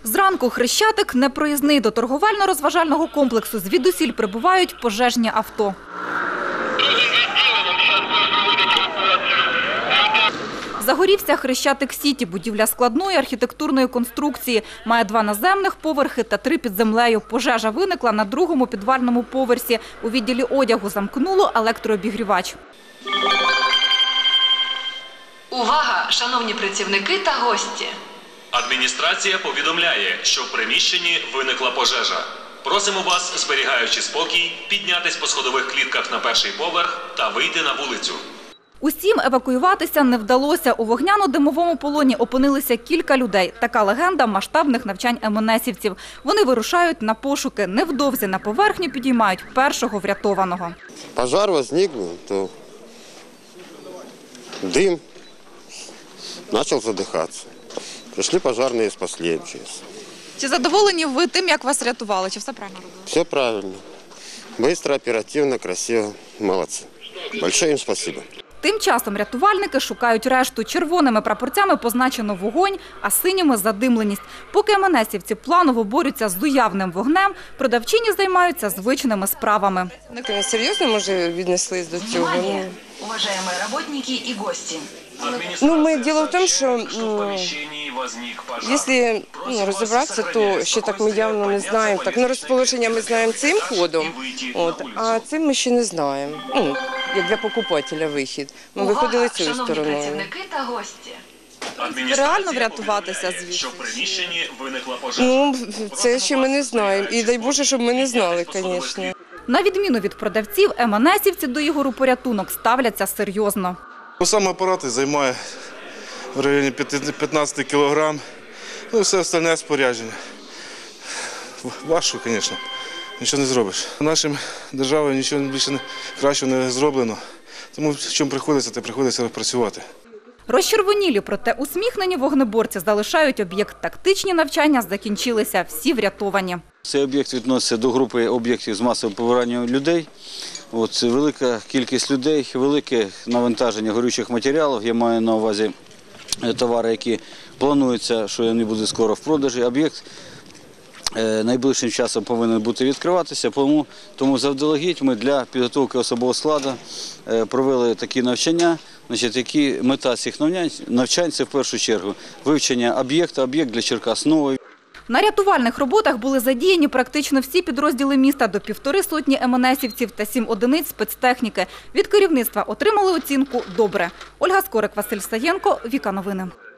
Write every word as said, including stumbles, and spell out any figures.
Зранку Хрещатик непроїзний. До торговельно-розважального комплексу звідусіль прибувають пожежні авто. Загорівся Хрещатик-Сіті. Будівля складної архітектурної конструкції. Має два наземних поверхи та три під землею. Пожежа виникла на другому підвальному поверсі. У відділі одягу замкнуло електрообігрівач. Увага, шановні працівники та гості! Адміністрація повідомляє, що в приміщенні виникла пожежа. Просимо вас, зберігаючи спокій, піднятись по сходових клітках на перший поверх та вийти на вулицю. Усім евакуюватися не вдалося. У вогняно-димовому полоні опинилися кілька людей. Така легенда масштабних навчань ем ен есівців. Вони вирушають на пошуки. Невдовзі на поверхню підіймають першого врятованого. Пожар возник, то дим, почав задихатися. Прийшли пожежні і спасли ем че ес. Чи задоволені ви тим, як вас рятували? Чи все правильно робили? Все правильно. Быстро, оперативно, красиво. Молодці. Большое їм спасибо. Тим часом рятувальники шукають решту. Червоними прапорцями позначено вогонь, а синіми – задимленість. Поки ем ен есівці планово борються з уявним вогнем, продавчині займаються звичними справами. Серйозно, може, віднеслись до цього? Внимание, уважаемые работники и гости! Ну, ми, діло в тому, що ну, якщо ну, розібратися, то ще так ми явно не знаємо. Так, ну, розположення ми знаємо цим ходом, от, а цим ми ще не знаємо. Ну, як для покупателя вихід. Ми Увага, виходили цією шановні стороною. працівники та гості! Реально врятуватися звідси? Що в приміщенні виникла пожежа. Ну, це ще ми не знаємо. І дай Боже, щоб ми не знали, звісно. На відміну від продавців, ем ен есівці до Ігору порятунок ставляться серйозно. Сам апарат займає в районі п'ятнадцять кілограм, ну і все остальне спорядження. Важко, звісно, нічого не зробиш. Нашим державою нічого більше кращого не зроблено, тому в чому приходиться, те приходиться працювати. Розчервонілі, проте усміхнені вогнеборці залишають об'єкт. Тактичні навчання закінчилися, всі врятовані. Цей об'єкт відноситься до групи об'єктів з масовим побиранням людей. От, велика кількість людей, велике навантаження горючих матеріалів. Я маю на увазі товари, які планується, що вони будуть скоро в продажі. Об'єкт е, найближчим часом повинен бути відкриватися, тому, тому завдалегідь ми для підготовки особового складу е, провели такі навчання. Значить, які мета цих навчань – це в першу чергу вивчення об'єкта, об'єкт для Черкас новий. На рятувальних роботах були задіяні практично всі підрозділи міста до півтори сотні ем ен есівців та сім одиниць спецтехніки. Від керівництва отримали оцінку «Добре». Ольга Скорик, Василь Саєнко, Віка Новини.